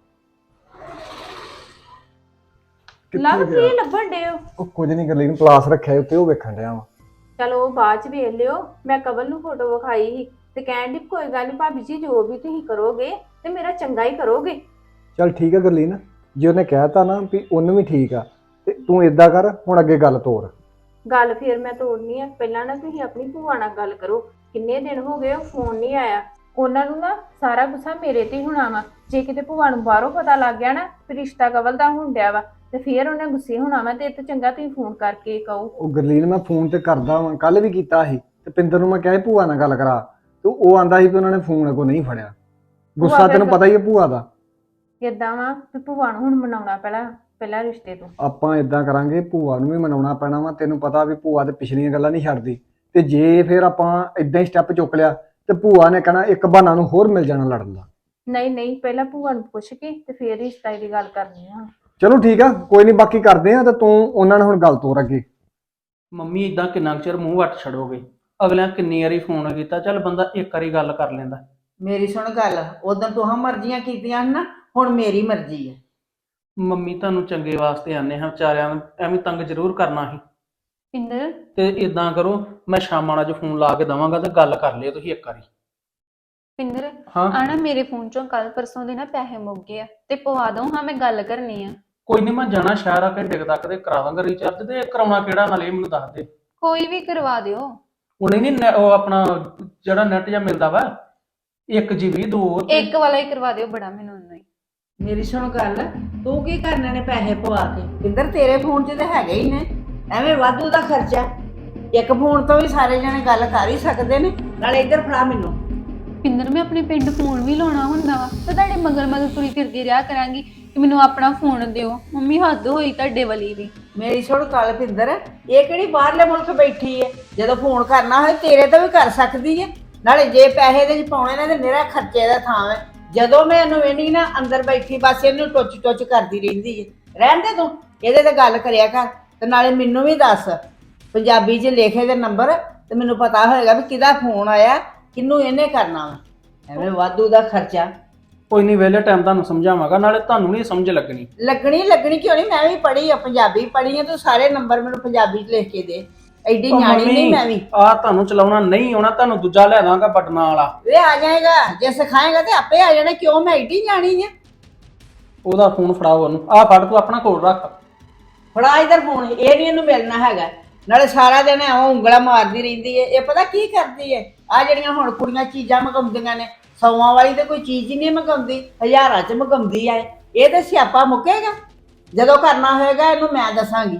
Speaker 3: ਲੱਭ ਕੀ ਲੱਭਣ ਡੇ ਹੋ?
Speaker 6: ਉਹ ਕੁਝ ਨਹੀਂ, ਗਰਲੀਨ ਪਲਾਸ ਰੱਖਿਆ ਉੱਤੇ, ਉਹ ਵੇਖਣ ਡਿਆ ਵਾ।
Speaker 3: ਚਲੋ ਉਹ ਬਾਅਦ ਚ ਵੇਖ ਲਿਓ। ਮੈਂ ਕਵਲ ਨੂੰ ਫੋਟੋ ਵਿਖਾਈ ਸੀ ਤੇ ਕਹਿਣ ਦੀ ਕੋਈ ਗੱਲ ਨਹੀਂ ਭਾਬੀ ਜੀ, ਜੋ ਵੀ ਤੁਸੀਂ ਕਰੋਗੇ ਤੇ ਮੇਰਾ ਚੰਗਾ ਹੀ ਕਰੋਗੇ।
Speaker 6: ਚੱਲ ਠੀਕ ਆ ਗਰਲੀਨ, ਜੇ ਉਹਨੇ ਕਹਿਤਾ ਨਾ ਵੀ ਉਹਨੂੰ ਵੀ ਠੀਕ ਆ, ਤੇ ਤੂੰ ਏਦਾਂ ਕਰ, ਹੁਣ ਅੱਗੇ ਗੱਲ ਤੋਰ।
Speaker 3: ਗੱਲ ਫਿਰ ਮੈਂ ਤੋੜਨੀ ਆ, ਪਹਿਲਾਂ ਨਾ ਤੁਸੀਂ ਆਪਣੀ ਭੂਆ ਨਾਲ ਗੱਲ ਕਰੋ। ਕਿੰਨੇ ਦਿਨ ਹੋ ਗਏ ਉਹ ਫੋਨ ਨਹੀਂ ਆਇਆ, ਉਹਨਾਂ ਨੂੰ ਨਾ ਸਾਰਾ ਗੁੱਸਾ ਮੇਰੇ ਤੇ ਹੀ ਹੋਣਾ ਵਾ। ਜੇ ਕਿਤੇ ਭੂਆ ਨੂੰ ਬਾਹਰੋਂ ਪਤਾ ਲੱਗ ਗਿਆ ਨਾ ਵੀ ਰਿਸ਼ਤਾ ਕਵਲ ਦਾ ਹੋਣ ਡਿਆ ਵਾ ਤੇ ਫੇਰ ਉਹਨੇ ਗੁੱਸੇ ਹੋਣਾ ਵਾ। ਤੇ ਇਹ ਤੋਂ ਚੰਗਾ ਤੁਸੀਂ ਫੋਨ ਕਰਕੇ ਕਹੋ।
Speaker 6: ਉਹ ਗਰਲੀਨ ਮੈਂ ਫੋਨ ਤੇ ਕਰਦਾ ਵਾਂ, ਕੱਲ ਵੀ ਕੀਤਾ ਸੀ ਤੇ ਪਿੰਦਰ ਨੂੰ ਮੈਂ ਕਿਹਾ ਸੀ ਭੂਆ ਨਾਲ ਗੱਲ ਕਰਾ, ਤੇ ਉਹ ਆਂਦਾ ਸੀ ਵੀ ਉਹਨਾਂ ਨੇ ਫੋਨ ਅੱਗੋਂ ਨਹੀਂ ਫੜਿਆ। ਗੁੱਸਾ
Speaker 3: ਭੂਆ
Speaker 6: ਤੈਨੂੰ
Speaker 3: ਫਿਰ-
Speaker 6: ਪਤਾ ਹੀ ਹੈ ਭੂਆ ਦਾ।
Speaker 3: ਏਦਾਂ ਵਾ ਵੀ ਭੂਆ ਨੂੰ ਹੁਣ ਮਨਾਉਣਾ ਪਹਿਲਾਂ ਪਹਿਲਾਂ ਰਿਸ਼ਤੇ ਤੋਂ।
Speaker 6: ਆਪਾਂ ਇਦਾਂ ਕਰਾਂਗੇ, ਭੂਆ ਨੂੰ ਵੀ ਮਨਾਉਣਾ ਪੈਣਾ ਵਾ। ਤੈਨੂੰ ਪਤਾ ਵੀ ਭੂਆ ਤੇ ਪਿਛਲੀਆਂ ਗੱਲਾਂ ਨਹੀਂ ਛੱਡਦੀ, ਤੇ ਜੇ ਫਿਰ ਆਪਾਂ ਇਦਾਂ ਹੀ ਸਟੈਪ ਚੁੱਕ ਲਿਆ ਤੇ ਭੂਆ ਨੇ ਕਹਿਣਾ ਇੱਕ ਬਹਾਨਾ ਨੂੰ ਹੋਰ ਮਿਲ ਜਾਣਾ ਲੜਨ ਦਾ।
Speaker 3: ਨਹੀਂ ਨਹੀਂ, ਪਹਿਲਾਂ ਭੂਆ ਨੂੰ ਪੁੱਛ ਕੇ ਤੇ ਫੇਰ ਰਿਸ਼ਤਾ ਦੀ ਗੱਲ ਕਰਨੀ ਆ।
Speaker 6: ਚਲੋ ਠੀਕ ਆ, ਕੋਈ ਨਹੀਂ, ਬਾਕੀ ਕਰਦੇ ਆ। ਤੇ ਤੂੰ ਉਹਨਾਂ ਨੂੰ ਹੁਣ ਗੱਲ ਤੋਰ ਅੱਗੇ।
Speaker 1: ਮੰਮੀ ਇਦਾਂ ਕਿੰਨਾ ਕੁ ਚਿਰ ਮੂੰਹ ਵੱਟ ਛੱਡੋਗੇ? ਅਗਲਿਆਂ ਕਿੰਨੀ ਵਾਰੀ ਫੋਨ ਕੀਤਾ, ਚੱਲ ਬੰਦਾ ਇੱਕ ਵਾਰੀ ਗੱਲ ਕਰ ਲੈਂਦਾ।
Speaker 2: ਮੇਰੀ ਸੁਣ ਗੱਲ, ਉਦੋਂ ਤੂੰ ਹਾਂ ਮਰਜ਼ੀਆਂ ਕੀਤੀਆਂ ਨਾ, ਹੁਣ ਮੇਰੀ ਮਰਜ਼ੀ ਹੈ।
Speaker 1: ਮੰਮੀ ਤੁਹਾਨੂੰ ਚੰਗੇ ਵਾਸਤੇ ਆਨੇ ਹਾਂ, ਵਿਚਾਰਿਆਂ ਨੂੰ ਐਵੇਂ ਤੰਗ ਜ਼ਰੂਰ ਕਰਨਾ ਸੀ।
Speaker 4: ਪਿੰਦਰ
Speaker 1: ਤੇ ਇਦਾਂ ਕਰੋ, ਮੈਂ ਸ਼ਾਮਾਂ ਨਾਲ ਜੋ ਫੋਨ ਲਾ ਕੇ ਦਵਾਂਗਾ ਤੇ ਗੱਲ ਕਰ ਲਿਓ ਤੁਸੀਂ ਇੱਕ ਵਾਰੀ।
Speaker 4: ਪਿੰਦਰ
Speaker 1: ਹਾਂ
Speaker 4: ਆਣਾ ਮੇਰੇ ਫੋਨ ਚੋਂ ਕੱਲ ਪਰਸੋਂ ਦੇ ਨਾ ਪੈਸੇ ਮੁੱਕ ਗਏ ਆ ਤੇ ਪਵਾ ਦੋ ਹਾਂ, ਮੈਂ ਗੱਲ ਕਰਨੀ ਆ।
Speaker 1: ਕੋਈ ਨਹੀਂ, ਮੈਂ ਜਾਣਾ ਸ਼ਹਿਰ ਆ ਘੰਟੇ ਕੁ ਤੱਕ ਤੇ ਕਰਾ ਦਾਂਗਾ ਰੀਚਾਰਜ। ਤੇ ਕਰਾਉਣਾ ਕਿਹੜਾ ਨਾਲ ਇਹ ਮੈਨੂੰ ਦੱਸ ਦੇ।
Speaker 4: ਕੋਈ ਵੀ ਕਰਵਾ ਦਿਓ।
Speaker 1: ਉਹਨੇ ਨਹੀਂ ਉਹ ਆਪਣਾ ਜਿਹੜਾ ਨੈਟ ਜਾਂ ਮਿਲਦਾ ਵਾ ਇੱਕ ਜੀਬੀ ਦੋ ਤੇ-
Speaker 4: ਇੱਕ ਵਾਲਾ ਹੀ ਕਰਵਾ ਦਿਓ, ਬੜਾ ਮੈਨੂੰ ਉਹਨਾਂ ਹੀ।
Speaker 2: ਮੇਰੀ ਸੁਣ ਗੱਲ, ਤੂੰ ਕੀ ਕਰਨੇ ਨੇ ਪੈਸੇ ਪਵਾ ਕੇ? ਕਿੰਦਰ ਤੇਰੇ ਫੋਨ 'ਚ ਤਾਂ ਹੈਗੇ ਹੀ ਨੇ, ਐਵੇਂ ਵਾਧੂ ਦਾ ਖਰਚਾ। ਇੱਕ ਫੋਨ ਤੋਂ ਵੀ ਸਾਰੇ ਜਣੇ ਗੱਲ ਕਰ ਹੀ ਸਕਦੇ ਨੇ। ਨਾਲੇ ਇੱਧਰ ਫੜਾ ਮੈਨੂੰ।
Speaker 4: ਪਿੰਦਰ ਮੈਂ ਆਪਣੇ ਪਿੰਡ ਫੋਨ ਵੀ ਲਾਉਣਾ ਹੁੰਦਾ ਵਾ ਤੇ ਤੁਹਾਡੇ ਮਗਰ ਮਗਰ ਤੁਰੀ ਫਿਰਦੀ ਰਿਹਾ ਕਰਾਂਗੀ ਕਿ ਮੈਨੂੰ ਆਪਣਾ ਫੋਨ ਦਿਓ। ਮੰਮੀ ਹੱਦ ਹੋਈ ਤੁਹਾਡੇ ਵਾਲੀ ਵੀ।
Speaker 2: ਮੇਰੀ ਸੁਣ ਗੱਲ ਪਿੰਦਰ, ਇਹ ਕਿਹੜੀ ਬਾਹਰਲੇ ਮੁਲਕ ਬੈਠੀ ਹੈ? ਜਦੋਂ ਫੋਨ ਕਰਨਾ ਹੋਏ ਤੇਰੇ ਤੋਂ ਵੀ ਕਰ ਸਕਦੀ ਹੈ। ਨਾਲੇ ਜੇ ਪੈਸੇ ਦੇ ਚ ਪਾਉਣੇ ਨੇ ਤੇ ਮੇਰਾ ਖਰਚੇ ਦਾ ਥਾਂ ਹੈ। ਜਦੋਂ ਮੈਂ ਇਹਨੂੰ ਵੇਣੀ ਨਾ ਅੰਦਰ ਬੈਠੀ ਬਸ ਇਹਨੂੰ ਟੁੱਚ ਟੁੱਚ ਕਰਦੀ ਰਹਿੰਦੀ ਹੈ। ਰਹਿਣ ਦੇ ਤੂੰ, ਇਹਦੇ ਤੇ ਗੱਲ ਕਰਿਆ ਕਰ। ਤੇ ਨਾਲੇ ਮੈਨੂੰ ਵੀ ਦੱਸ, ਪੰਜਾਬੀ 'ਚ ਲਿਖੇ ਦੇ ਨੰਬਰ, ਤੇ ਮੈਨੂੰ ਪਤਾ ਹੋਏਗਾ ਵੀ ਕਿਹਦਾ ਫੋਨ ਆਇਆ, ਕਿਹਨੂੰ ਇਹਨੇ ਕਰਨਾ ਵਾ। ਐਵੇਂ ਵਾਧੂ ਦਾ ਖਰਚਾ।
Speaker 1: ਕੋਈ ਨਹੀਂ, ਵਿਹਲੇ ਟਾਈਮ ਤੁਹਾਨੂੰ ਸਮਝਾਵਾਂਗਾ, ਨਾਲੇ ਤੁਹਾਨੂੰ ਨਹੀਂ ਸਮਝ ਲੱਗਣੀ।
Speaker 2: ਲੱਗਣੀ ਲੱਗਣੀ ਕਿਉਂ ਨਹੀਂ? ਮੈਂ ਵੀ ਪੜ੍ਹੀ ਆ, ਪੰਜਾਬੀ ਪੜ੍ਹੀ ਆ। ਤੂੰ ਸਾਰੇ ਨੰਬਰ ਮੈਨੂੰ ਪੰਜਾਬੀ 'ਚ ਲਿਖ ਕੇ ਦੇ। ਐਡੀ
Speaker 1: ਉਹ
Speaker 2: ਨਿਆਣੀ
Speaker 1: ਮੰਮੀ,
Speaker 2: ਨਹੀਂ ਮੈਂ ਵੀ।
Speaker 1: ਆ ਤੁਹਾਨੂੰ ਚਲਾਉਣਾ ਨਹੀਂ ਆਉਣਾ, ਤੁਹਾਨੂੰ ਦੂਜਾ ਲੈ ਦਾਂਗਾ ਬਟਨਾਂ ਵਾਲਾ।
Speaker 2: ਵੇ ਆ ਜਾਏਗਾ, ਜੇ ਸਿਖਾਏਗਾ ਤੇ ਆਪੇ ਆ ਜਾਣਾ। ਕਿਉਂ ਮੈਂ ਐਡੀ ਨਿਆਣੀ ਆ?
Speaker 1: ਉਹਦਾ ਫੋਨ ਫੜਾਓ ਉਹਨੂੰ। ਆ ਫੜ, ਤੂੰ ਆਪਣਾ ਕੋਲ ਰੱਖ।
Speaker 2: ਫੜਾ ਇਧਰ ਫੋਨ, ਇਹ ਨਹੀਂ ਇਹਨੂੰ ਮਿਲਣਾ ਹੈਗਾ। ਨਾਲੇ ਸਾਰਾ ਦਿਨ ਐਵੇਂ ਉਂਗਲਾ ਮਾਰਦੀ ਰਹਿੰਦੀ ਹੈ। ਇਹ ਪਤਾ ਕੀ ਕਰਦੀ ਹੈ? ਆ ਜਿਹੜੀਆਂ ਹੁਣ ਕੁੜੀਆਂ ਚੀਜ਼ਾਂ ਮੰਗਾਉਂਦੀਆਂ ਨੇ, ਸੌਆਂ ਵਾਲੀ ਤੇ ਕੋਈ ਚੀਜ਼ ਹੀ ਨਹੀਂ ਮੰਗਾਉਂਦੀ, ਹਜ਼ਾਰਾਂ 'ਚ ਮੰਗਾਉਂਦੀ ਆ। ਇਹ ਤੇ ਸਿਆਪਾ ਮੁੱਕੇਗਾ। ਜਦੋਂ ਕਰਨਾ ਹੋਏਗਾ ਇਹਨੂੰ ਮੈਂ ਦੱਸਾਂਗੀ।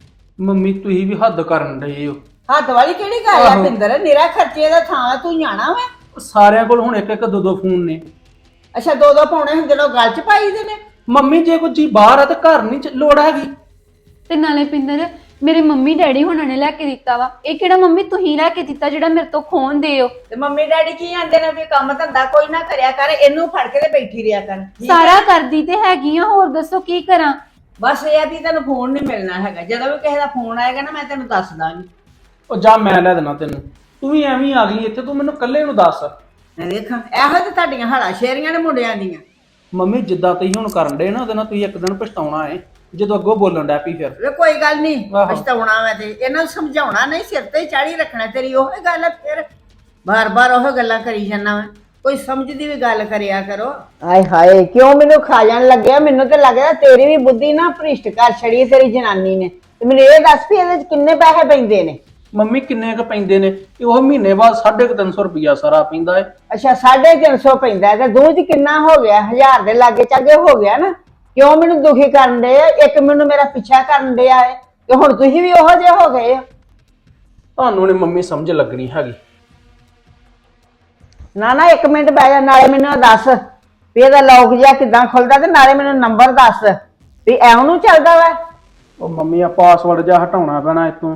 Speaker 1: ਮੰਮੀ ਤੁਸੀਂ ਵੀ ਹੱਦ ਕਰਨ ਡਏ ਹੋ।
Speaker 2: ਹੱਥ ਵਾਲੀ ਕਿਹੜੀ ਗੱਲ ਆ
Speaker 1: ਆਹੋ।
Speaker 2: ਪਿੰਦਰ? ਨਿਰਾ ਖਰਚੇ ਦਾ ਥਾਂ ਤੂੰ ਜਾਣਾ ਵਾ।
Speaker 1: ਸਾਰਿਆਂ ਕੋਲ ਹੁਣ ਇੱਕ ਇੱਕ ਦੋ ਦੋ ਫੋਨ ਨੇ।
Speaker 2: ਅੱਛਾ, ਦੋ ਦੋ ਪਾਉਣੇ ਹੁੰਦੇ ਨੇ, ਉਹ ਗਲ 'ਚ ਪਾਈ ਦੇ ਨੇ।
Speaker 1: ਮੰਮੀ ਜੇ ਕੋਈ ਜੀ ਬਾਹਰ ਆ ਤੇ ਘਰ ਨਹੀਂ ਚ- ਲੋੜ ਹੈਗੀ।
Speaker 4: ਤੇ ਨਾਲੇ ਪਿੰਦਰ ਮੇਰੇ ਮੰਮੀ ਡੈਡੀ ਹੁਣਾਂ ਨੇ ਲੈ ਕੇ ਦਿੱਤਾ ਵਾ। ਇਹ ਕਿਹੜਾ ਮੰਮੀ ਤੁਸੀਂ ਲੈ ਕੇ ਦਿੱਤਾ ਜਿਹੜਾ ਮੇਰੇ ਤੋਂ ਖੋਣ ਦਿਓ?
Speaker 2: ਤੇ ਮੰਮੀ ਡੈਡੀ ਕੀ ਆਂਦੇ ਨੇ ਵੀ ਕੰਮ ਧੰਦਾ ਕੋਈ ਨਾ ਕਰਿਆ ਕਰ, ਇਹਨੂੰ ਫੜ ਕੇ ਤੇ ਬੈਠੀ ਰਿਆ ਕਰ। ਠੀਕ ਆ?
Speaker 4: ਸਾਰਾ ਕਰਦੀ ਤੇ ਹੈਗੀ ਆ, ਹੋਰ ਦੱਸੋ ਕੀ ਕਰਾਂ?
Speaker 2: ਬਸ ਇਹ ਆ ਵੀ ਤੈਨੂੰ ਫੋਨ ਨਹੀਂ ਮਿਲਣਾ ਹੈਗਾ। ਜਦੋਂ ਵੀ ਕਿਸੇ ਦਾ ਫੋਨ ਆਏਗਾ ਨਾ, ਮੈਂ ਤੈਨੂੰ ਦੱਸ ਦਾਂਗੀ।
Speaker 1: ਉਹ ਜਾ, ਮੈਂ ਲੈ ਦੇਣਾ ਤੈਨੂੰ। ਤੂੰ ਵੀ ਐਵੇਂ ਹੀ ਆ ਗਈ ਇੱਥੇ, ਤੂੰ ਮੈਨੂੰ ਇਕੱਲੇ ਨੂੰ ਦੱਸ।
Speaker 2: ਮੈਂ ਵੇਖਾਂ, ਇਹੋ ਤੇ ਤੁਹਾਡੀਆਂ ਹਾਲਾ ਸ਼ੇਰੀਆਂ ਨੇ ਮੁੰਡਿਆਂ ਦੀਆਂ।
Speaker 1: ਮੰਮੀ ਜਿੱਦਾਂ ਤੁਸੀਂ ਹੁਣ ਕਰਨ ਡੇ ਨਾ, ਉਹਦੇ ਨਾਲ ਤੁਸੀਂ ਇੱਕ ਦਿਨ ਪਛਤਾਉਣਾ ਏ ਜਦੋਂ ਅੱਗੋਂ ਬੋਲਣ ਡੈ ਪਈ ਫਿਰ।
Speaker 2: ਵੇ ਕੋਈ ਗੱਲ ਨਹੀਂ,
Speaker 1: ਆਹੋ।
Speaker 2: ਪਛਤਾਉਣਾ ਮੈਂ ਤੇ ਇਹਨਾਂ ਨੂੰ ਸਮਝਾਉਣਾ ਨਹੀਂ, ਸਿਰ ਤੇ ਚਾੜੀ ਰੱਖਣਾ। ਤੇਰੀ ਉਹ ਗੱਲ ਆ, ਫਿਰ ਬਾਰ-ਬਾਰ ਉਹ ਗੱਲਾਂ ਕਰੀ ਜਾਂਦਾ ਮੈਂ। ਕੋਈ ਸਮਝਦੀ ਵੀ ਗੱਲ ਕਰਿਆ ਕਰੋ। ਆਏ ਹਾਏ, ਕਿਉਂ ਮੈਨੂੰ ਖਾ ਜਾਣ ਲੱਗਿਆ? ਮੈਨੂੰ ਤੇ ਲੱਗਦਾ ਤੇਰੀ ਵੀ ਬੁੱਧੀ ਨਾ ਭ੍ਰਿਸ਼ਟ ਕਰ ਛੜੀ ਤੇਰੀ ਜਨਾਨੀ ਨੇ। ਤੇ ਮੈਨੂੰ ਇਹ ਦੱਸ ਵੀ ਇਹਦੇ 'ਚ ਕਿੰਨੇ ਪੈਸੇ ਪੈਂਦੇ ਨੇ?
Speaker 1: ਮੰਮੀ ਕਿੰਨੇ ਕ ਪੈਂਦੇ ਨੇ? ਇਹ ਉਹ ਮਹੀਨੇ ਬਾਅਦ ਸਾਢੇ ਕੁ ਤਿੰਨ ਸੌ ਰੁਪਈਆ ਸਾਰਾ ਪੈਂਦਾ ਏ।
Speaker 2: ਅੱਛਾ, ਸਾਢੇ ਤਿੰਨ ਸੌ ਪੈਂਦਾ ਤੇ ਦੂਰ 'ਚ ਕਿੰਨਾ ਹੋ ਗਿਆ? ਹਜ਼ਾਰ ਦੇ ਲਾਗੇ ਚਾਗੇ ਹੋ ਗਿਆ ਨਾ। ਕਿਉਂ ਮੈਨੂੰ ਦੁਖੀ ਕਰਨ ਦੇ? ਇੱਕ ਮੈਨੂੰ ਮੇਰਾ ਪਿੱਛਾ ਕਰਨ ਡਿਆ ਏ ਤੇ ਹੁਣ ਤੁਸੀਂ ਵੀ ਉਹੋ ਜਿਹੇ ਹੋ ਗਏ ਹੋ।
Speaker 1: ਤੁਹਾਨੂੰ ਨੀ ਮੰਮੀ ਸਮਝ ਲੱਗਣੀ ਹੈਗੀ।
Speaker 2: ਨਾ ਨਾ, ਇੱਕ ਮਿੰਟ ਬਹਿ ਜਾ। ਨਾਲੇ ਮੈਨੂੰ ਇਹ ਦੱਸ ਵੀ ਇਹਦਾ ਲੌਕ ਜਿਹਾ ਕਿੱਦਾਂ ਖੁੱਲਦਾ, ਤੇ ਨਾਲੇ ਮੈਨੂੰ ਨੰਬਰ ਦੱਸ ਵੀ ਐਉਂ ਨੂੰ ਚੱਲਦਾ ਵਾ।
Speaker 1: ਉਹ ਮੰਮੀ ਆ ਪਾਸਵਰਡ ਜਿਹਾ ਹਟਾਉਣਾ ਪੈਣਾ ਇਤੋਂ।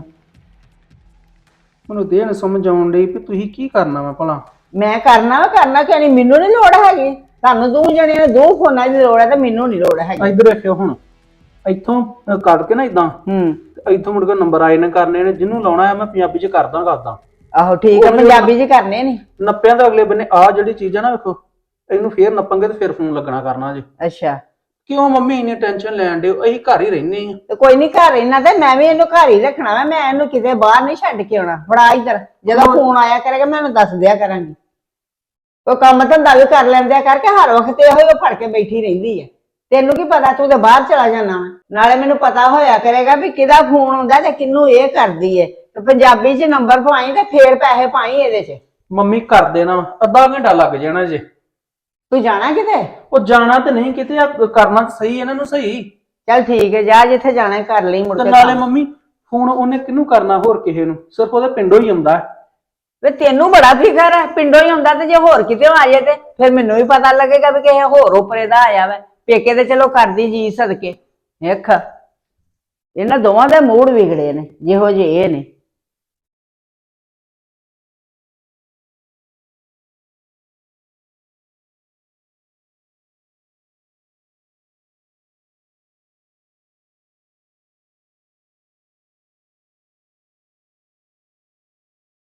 Speaker 1: ਮੈਨੂੰ ਦੇਣ ਸਮਝ ਆਉਣ ਡਈ ਵੀ ਤੁਸੀਂ ਕੀ ਕਰਨਾ ਵਾ ਭਲਾ।
Speaker 2: ਮੈਂ ਕਰਨਾ ਵਾ, ਕਰਨਾ ਕਿਉਂ ਨਹੀਂ? ਮੈਨੂੰ ਨਹੀਂ ਲੋੜ ਹੈਗੀ। ਤੁਹਾਨੂੰ ਦੋ ਜਣਿਆਂ ਨੂੰ ਦੋ ਫੋਨਾਂ ਦੀ ਲੋੜ ਹੈ ਤੇ ਮੈਨੂੰ ਨਹੀਂ ਲੋੜ ਹੈਗੀ।
Speaker 1: ਇੱਧਰ ਵੇਖਿਓ ਹੁਣ, ਇੱਥੋਂ ਅਹ ਕੱਢ ਕੇ ਨਾ ਇਦਾਂ,
Speaker 2: ਹੂੰ,
Speaker 1: ਤੇ ਇੱਥੋਂ ਮੁੜ ਕੇ ਨੰਬਰ ਆਏ ਨੇ ਕਰਨੇ ਨੇ। ਜਿਹਨੂੰ ਲਾਉਣਾ ਹੈ ਮੈਂ ਪੰਜਾਬੀ ਚ ਕਰਦਾ ਕਰਦਾ।
Speaker 2: ਆਹੋ ਠੀਕ ਆ, ਪੰਜਾਬੀ 'ਚ ਕਰਨੇ ਨੇ।
Speaker 1: ਨੱਪਿਆਂ ਦੇ ਅਗਲੇ ਬੰਨੇ ਆ ਜਿਹੜੀ ਚੀਜ਼ ਆ ਨਾ, ਵੇਖੋ ਇਹਨੂੰ ਫੇਰ ਨੱਪਾਂਗੇ ਤੇ ਫਿਰ ਫੋਨ ਲੱਗਣਾ ਕਰਨਾ ਜੀ।
Speaker 2: ਅੱਛਾ,
Speaker 1: ਕਿਉਂ ਮੰਮੀ ਇੰਨੀ ਟੈਨਸ਼ਨ ਲੈਣ ਦਿਓ? ਅਸੀਂ ਘਰ ਹੀ ਰਹਿੰਦੇ ਆ।
Speaker 2: ਤੇ ਕੋਈ ਨਹੀਂ, ਘਰ ਇਹਨਾਂ ਤੇ ਮੈਂ ਵੀ ਇਹਨੂੰ ਘਰ ਹੀ ਰੱਖਣਾ ਵਾ। ਮੈਂ ਇਹਨੂੰ ਕਿਤੇ ਬਾਹਰ ਨਹੀਂ ਛੱਡ ਕੇ ਆਉਣਾ। ਫੜਾ ਇੱਧਰ, ਜਦੋਂ ਫੋਨ ਆਇਆ ਕਰੇਗਾ ਮੈਂ ਇਹਨੂੰ ਦੱਸ ਦਿਆ ਕਰਾਂਗੀ। ਉਹ ਕੰਮ ਧੰਦਾ ਵੀ ਕਰ ਲੈਂਦਿਆ ਕਰਕੇ ਹਰ ਵਕਤ ਇਹੋ ਹੀ ਫੜ ਕੇ ਬੈਠੀ ਰਹਿੰਦੀ ਹੈ। ਤੈਨੂੰ ਕੀ ਪਤਾ, ਤੂੰ ਤੇ ਬਾਹਰ ਚਲਾ ਜਾਣਾ ਵਾ। ਨਾਲੇ ਮੈਨੂੰ ਪਤਾ ਹੋਇਆ ਕਰੇਗਾ ਵੀ ਕਿਹਦਾ ਫੋਨ ਆਉਂਦਾ ਤੇ ਕਿਹਨੂੰ ਇਹ ਕਰਦੀ ਹੈ। ਤੇ ਪੰਜਾਬੀ 'ਚ ਨੰਬਰ ਪਾਈ ਤੇ ਫੇਰ ਪੈਸੇ ਪਾਈ ਇਹਦੇ 'ਚ।
Speaker 1: ਮੰਮੀ ਕਰ ਦੇਣਾ ਵਾ, ਅੱਧਾ ਘੰਟਾ ਲੱਗ ਜਾਣਾ ਜੇ।
Speaker 2: ਤੂੰ ਜਾਣਾ ਕਿਤੇ?
Speaker 1: ਉਹ ਜਾਣਾ ਤੇ ਨਹੀਂ ਕਿਤੇ, ਆ ਕਰਨਾ ਤਾਂ ਸਹੀ ਇਹਨਾਂ ਨੂੰ ਸਹੀ।
Speaker 2: ਚੱਲ ਠੀਕ ਹੈ, ਜਾ ਜਿੱਥੇ ਜਾਣਾ ਹੈ ਕਰ ਲਈ ਮੁੜ
Speaker 1: ਤੇ
Speaker 2: ਕੇ
Speaker 1: ਨਾਲੇ
Speaker 2: ਕੰਮ।
Speaker 1: ਮੰਮੀ ਫੋਨ ਉਹਨੇ ਕਿਹਨੂੰ ਕਰਨਾ ਹੋਰ ਕਿਸੇ ਨੂੰ, ਸਿਰਫ ਉਹਦੇ ਪਿੰਡੋਂ ਹੀ ਆਉਂਦਾ ਹੈ।
Speaker 2: ਵੇ ਤੈਨੂੰ ਬੜਾ ਫਿਕਰ ਹੈ, ਪਿੰਡੋਂ ਹੀ ਹੁੰਦਾ, ਤੇ ਜੇ ਹੋਰ ਕਿਤੇ ਆ ਜਾਏ ਤੇ ਫਿਰ ਮੈਨੂੰ ਵੀ ਪਤਾ ਲੱਗੇਗਾ ਵੀ ਕਿਸੇ ਹੋਰ ਉਪਰੇ ਦਾ ਆਇਆ ਵਾ। ਪੇਕੇ ਤੇ ਚਲੋ ਕਰਦੀ ਜੀ ਸਦਕੇ। ਵੇਖ ਇਹਨਾਂ ਦੋਵਾਂ ਦੇ ਮੂਡ ਵਿਗੜੇ ਨੇ ਜਿਹੋ ਜਿਹੇ ਇਹ ਨੇ।